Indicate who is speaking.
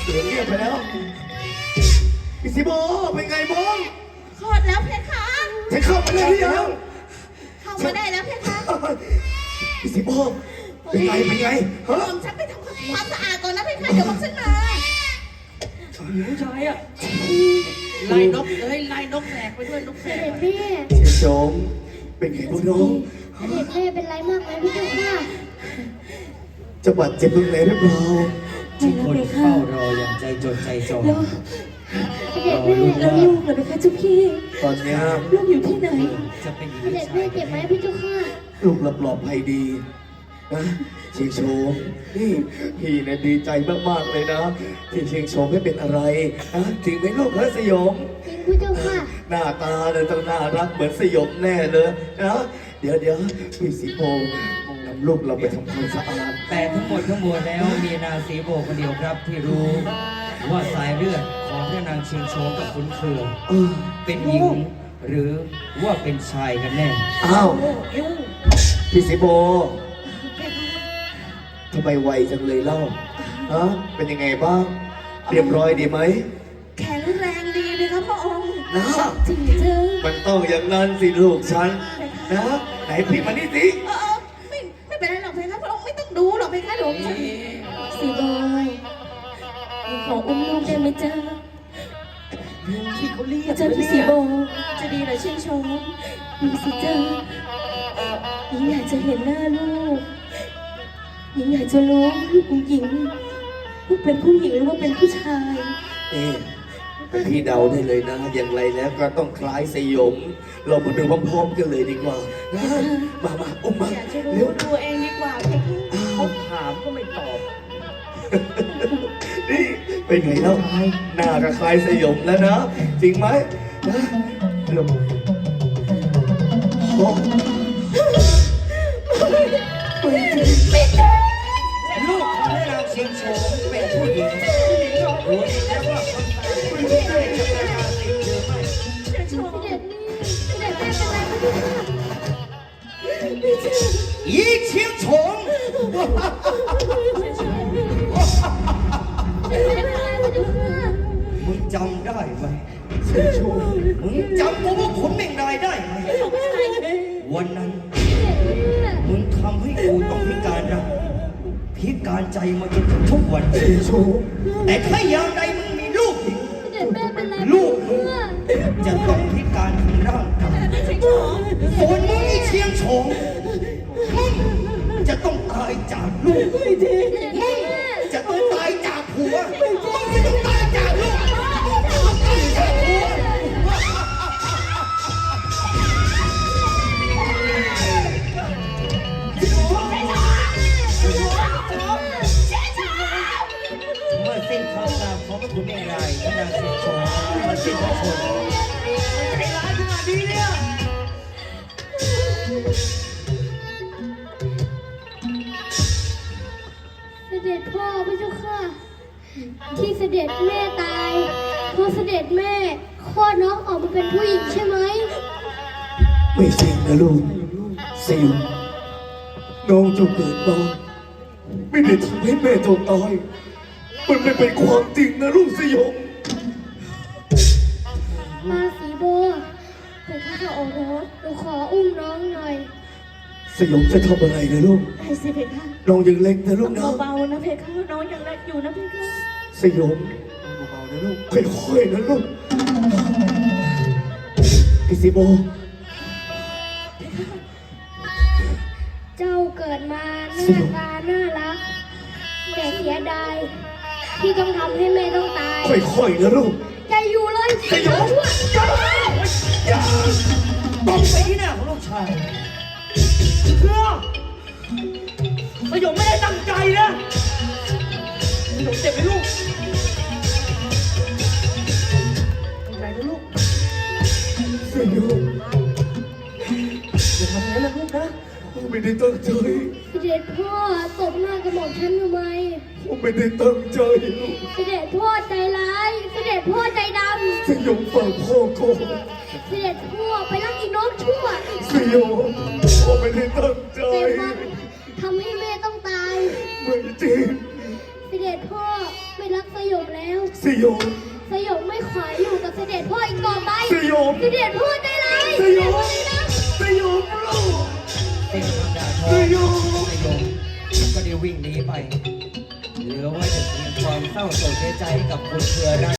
Speaker 1: เสียงเงียบไปแล้วพี่สิโบเป็นไงบ้าง
Speaker 2: คลอดแล้วเพคะ
Speaker 1: จะเข้ามาได้หรือยัง
Speaker 2: เข้ามาได้แล้วเพคะ
Speaker 1: พี่สิโบเป็นไงฮะ
Speaker 2: ผมฉันไปทำความสะอาดก่อนนะเพคะเดี๋ยวผมฉันมา
Speaker 3: ผู้ชายอ่ะไล่นกไล่นกแสกไปด้วยนกแสก
Speaker 4: เด็กแม่
Speaker 1: เสียชมเป็นไงบ้างน้อง
Speaker 4: เด็กแม่เป็นไรมากไหมพี่เจ้าค่ะ
Speaker 1: จะบาดเจ็บตรงไหนหรือเปล่า
Speaker 3: ที่คนเฝ้ารออย่างใจจดใจจ่อ
Speaker 4: เด็กแม่
Speaker 2: แล้วลูกเหรอเพคะเจ้าพี่
Speaker 1: ตอนนี้
Speaker 2: ลูกอยู่ที่ไหน
Speaker 3: จะเป็น
Speaker 4: เด็กแม่เจ็บไหมพี่เจ้าค่ะ
Speaker 1: ลูกปลอดภัยดีนะเชียงโฉมนี่พี่เนี่ยดีใจมากๆเลยนะที่เชียงโฉมไม่เป็นอะไรนะถึงเป็นลูกพระสยม
Speaker 4: จริงพี่เจ้าค่ะ
Speaker 1: หน้าตาเนี่ยต้องน่ารักเหมือนสยมแน่เลยนะเดี๋ยวพี่สีโบนำลูกเราไปทำความสะอาด
Speaker 3: แต่ทั้งหมดทั้งมวลแล้วมีนางสีโบคนเดียวครับที่รู้ว่าสายเลือดของพระนางเชียงโฉมกับขุนเคืองเป็นหญิงหรือว่าเป็นชายกันแน่
Speaker 1: อ้าวพี่สีโบทำไมไวจังเลยเล่าฮะเป็นยังไงบ้างเรียบร้อยดีไหม
Speaker 2: แข็งแรงดีเลยครับพระองค์
Speaker 1: นะ
Speaker 2: จริงจัง
Speaker 1: มันต้องอย่างนั้นสิลูกฉันนะไหนพี่มานี่สิ
Speaker 2: ไม่เป็นไรหรอกเพคะพระองค์ไม่ต้องดูหรอกเพคะหลวงฉันสีบอยขออุ้มลูกได้ไหมจ๊ะที่เขาเรียกเจ้าพี่สีโบจะดีเหรอชื่นชมดูสิจ้าหญิงอยากจะเห็นหน้าลูกหญิงอยากจะรู้ลูกของหญิงลูกเป็นผู้หญิงหรือว่าเป็นผู้ชาย
Speaker 1: พี่เดาได้เลยนะอย่างไรแล้วก็ต้องคล้ายสยมเรามาดูพร้อมๆกันเลยดีกว่านะมาอุ้มมา
Speaker 2: เร็วดูเองดีกว่า
Speaker 3: เขาถามก็ไม่ตอบ
Speaker 1: นี่เป็นไงแล้วหน้าก็คล้ายสยมแล้วนะจริงไหมนะลงโอ้
Speaker 3: ไม่ใช่ลูกของนางเชียงโฉมเป็นผู้หญิงรู้แล้วว่าคนตายไม่ใช่จะเป็นการติดเชื้อไหม
Speaker 4: เด็กแม่เป็นไร
Speaker 3: พี่อีเชียงโฉมมึงจำได้ไหมมึงจำกูว่าขุนเมงรายได้ไหมวันนั้นมึงทำให้กูต้องพิการรักพิการใจมาจนถึงทุกวันแต่ถ้าอย่างใดมึงมีลูกอีกลูกมึงจะต้องพิการทางร่างกายส่วนมึงไอ้เชียงโฉมมึงจะต้องตายจากลูกมึงจะต้องตายจากผัวมึงจะต้องตายจากลูกเมื่อสิ้นคำสาปของพระคุณเมงรายพระนางเชียงโฉมมาสิ้นพระชนใจร้ายขนาดนี้เนี่ย
Speaker 4: เสด็จพ่อพระเจ้าค่ะที่เสด็จแม่ตายเพราะเสด็จแม่คลอดน้องออกมาเป็นผู้หญิงใช่ไหม
Speaker 1: ไม่จริงนะลูกสิวน้องจะเกิดมาไม่ได้ทำให้แม่ต้องตายมันไม่เป็นความจริงนะลูกสยม
Speaker 4: มาสีโบแต่ข้าจะออกรถหนูขออุ้มน้องหน่อย
Speaker 1: สยมจะทำอะไรนะลูก
Speaker 2: ให้สิเพคะ
Speaker 1: น้องยังเล็กนะลูกนะ
Speaker 2: เบาๆนะเพคะน้องยังเล็กอยู่นะเพคะ
Speaker 1: สยมเบาๆนะลูกค่อยๆนะลูกพี่สิโบ
Speaker 4: เจ้าเกิดมาหน้าตาน่ารักแต่เสียดายที่ต้องทำให้แม่ต้องตาย
Speaker 1: ค่อยๆนะลูก
Speaker 4: ใจอยู่เลย
Speaker 1: สยมอย่า
Speaker 3: ต้องไปที่หน้าของลูกชายเพื่อสยมไม่ได้ตั้งใจนะสยมเจ็บไหมลูกตั้งใจนะลูก
Speaker 1: สยม
Speaker 3: อย่าทำอย่างนั้นนะลูกนะ
Speaker 1: ไม่ได้ตั้งใจ
Speaker 4: เสด็จพ่อตบหน้ากระหม่อมฉันทำไม
Speaker 1: ผมไม่ได้ตั้งใจลูก
Speaker 4: เสด็จพ่อใจร้ายเสด็จพ่อใจด
Speaker 1: ำสยมฟังพ่อก่อน
Speaker 4: เสด็จพ่อไปรักอีน้องชั่ว
Speaker 1: สยมพ่อไม่ได้ตั้งใจ
Speaker 4: ทำให้แม่ต้องตาย
Speaker 1: ไม่จริง
Speaker 4: เสด็จพ่อไม่รักสยมแล้
Speaker 1: ยอง
Speaker 4: สยองไม่ขออยู่กับเสด็จพ่ออีกต่อไป
Speaker 1: สยอง
Speaker 4: เสด็จพ่อได้เลย
Speaker 1: สยองสยองลูก
Speaker 3: เต้นคำด่าทอ
Speaker 1: สยอง
Speaker 3: สยองก็ได้วิ่งหนีไปเหลือไว้แต่เพียงความเศร้าโศกเสียใจกับคนเครือรัก